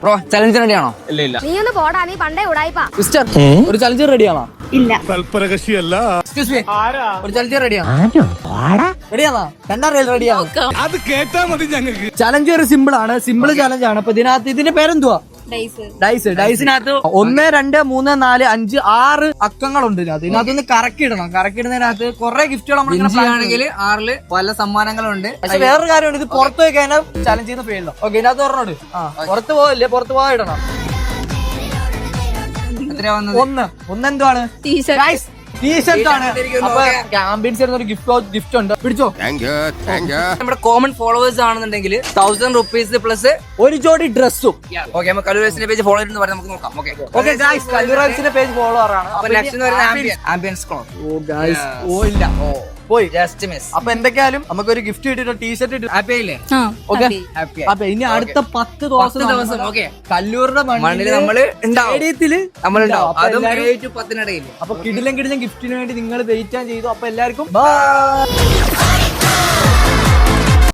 Bro challenge റെഡിയാണോ? ഇല്ല നീ ഒന്ന് പോടാ, നീ പണ്ടേ ഉടായിപ്പാ. സിസ്റ്റർ ഒരു ചലഞ്ച് റെഡിയാണോ? ഇല്ല. തൽപരകശിയല്ല. എക്സ്ക്യൂസ് മീ, ഒരു ചലഞ്ച് റെഡിയാണോ? റെഡിയാണോ? രണ്ടാം റെഡിയാണോ? അത് കേട്ടാ മതി ഞങ്ങൾക്ക്. ചലഞ്ച് ഒരു സിമ്പിൾ ആണ്, സിമ്പിൾ ചലഞ്ച് ആണ്. അപ്പൊ ഇതിനകത്ത് ഇതിന്റെ പേരെന്തുവാ? ഡൈസിനകത്ത് 1, 2, 3, 4, 5, 6 അക്കങ്ങളുണ്ട്. ഇതിനകത്തൊന്ന് കറക്കിടണം. കറക്കിടുന്നതിനകത്ത് കുറെ ഗിഫ്റ്റുകൾ ആണെങ്കിൽ 6 പല സമ്മാനങ്ങളുണ്ട്. പക്ഷെ വേറൊരു കാര്യമുണ്ട്, ഇത് പുറത്ത് പോയി കഴിഞ്ഞാൽ ചലഞ്ച് ചെയ്യുന്ന ഫീൽഡോ. ഓക്കെ, ഇതിനകത്ത് പറഞ്ഞോട്. പുറത്ത് പോവല്ലേ, പുറത്ത് പോകാൻ ഇടണം. എത്രയാ വന്നത്? ഒന്ന് എന്തുവാണ്? ടീഷർട്ട് ആണ്. അപ്പൊ ആംബിയൻസ് ഒരു ഗിഫ്റ്റ് ഉണ്ട്, പിടിച്ചോ. നമ്മുടെ കോമൺ ഫോളോവേഴ്സ് ആണെന്നുണ്ടെങ്കിൽ 1000 റുപ്പീസ് പ്ലസ് ഒരു ജോഡി ഡ്രസ്സും. ഓക്കെ, നമുക്ക് കല്ലൂരേഴ്സിന്റെ പേജ് ഫോളോ ചെയ്ത് പറഞ്ഞ് നമുക്ക് നോക്കാം. ഓക്കെ ഗൈസ്, കല്ലൂറാൻസിന്റെ പേജ് ഫോളോവർ ആണ്. അപ്പൊ നെക്സ്റ്റ് വരുന്നത് ആംബിയൻസ് ക്ലോത്ത്. ഓ ഗൈസ്, ഓ ഇല്ല, പോയി ജസ്റ്റ് മിസ്. അപ്പൊ എന്തൊക്കെയാലും നമുക്കൊരു ഗിഫ്റ്റ് കിട്ടിട്ടോ, ടീഷർട്ട് കിട്ടും. ഹാപ്പി ആയില്ലേ? Okay, happy. അപ്പൊ ഇനി അടുത്ത 10 ദിവസം ഓക്കെ, കല്ലൂരുടെ മണ്ണില് നമ്മള് സ്റ്റേഡിയത്തില് നമ്മളുണ്ടാവും. അപ്പൊ അതും എല്ലാവരും 7 to 10 ഇടയിൽ. അപ്പൊ കിടിലം ഗിഫ്റ്റിന് വേണ്ടി നിങ്ങൾ വെയിറ്റ് ചെയ്തു. അപ്പൊ എല്ലാവർക്കും ബൈ.